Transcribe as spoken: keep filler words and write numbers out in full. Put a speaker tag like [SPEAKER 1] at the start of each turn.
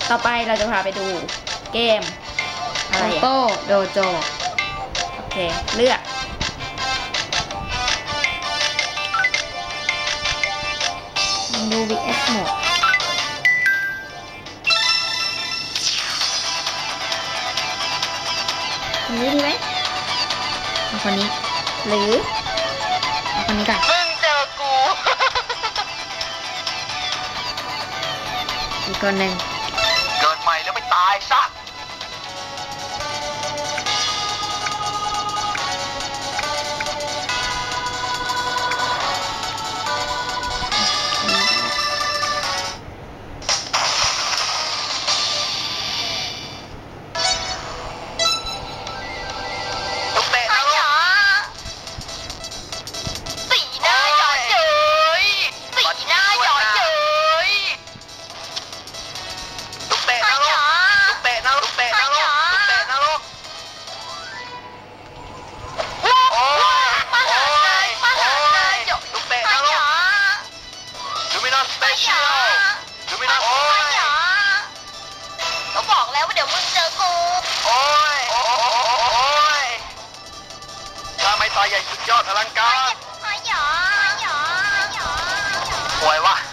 [SPEAKER 1] ต่อไปเราจะพาไปดูเกมอะไรอะ
[SPEAKER 2] โต้โดโจ
[SPEAKER 1] โอเคเลือก
[SPEAKER 2] ดู วี เอส โหมด
[SPEAKER 1] นี้ดีไหม
[SPEAKER 2] เอาคนนี้
[SPEAKER 1] หรือ
[SPEAKER 2] เอาคนนี้ก่อน
[SPEAKER 3] มึงเจอกู
[SPEAKER 2] อีกคนหนึ่ง
[SPEAKER 3] เกิดใหม่แล้วไปตายซะลูกเตะนะลูกสีหน้าหยอดเย้ยสีหน้าหยอดเย้ยลูกเตะนะลูกลูกเตะนะลูกเตะนะลูกลูกเตะนะลูกโอ้ยโอ้ยโอ้ยลูกเตะนะลูกลูมินอสสเปเชียลลูมินอสโอ้ย
[SPEAKER 4] ก็บอกแล้วว่าเดี๋ยวมึงเจอกู
[SPEAKER 3] โอ้ยโอ้ยโอ้ยถ้าไม่ตายใหญ่สุดยอดอลังการ
[SPEAKER 4] หอยหยอหอยหยอหอยหยอ
[SPEAKER 3] ป่วยวะ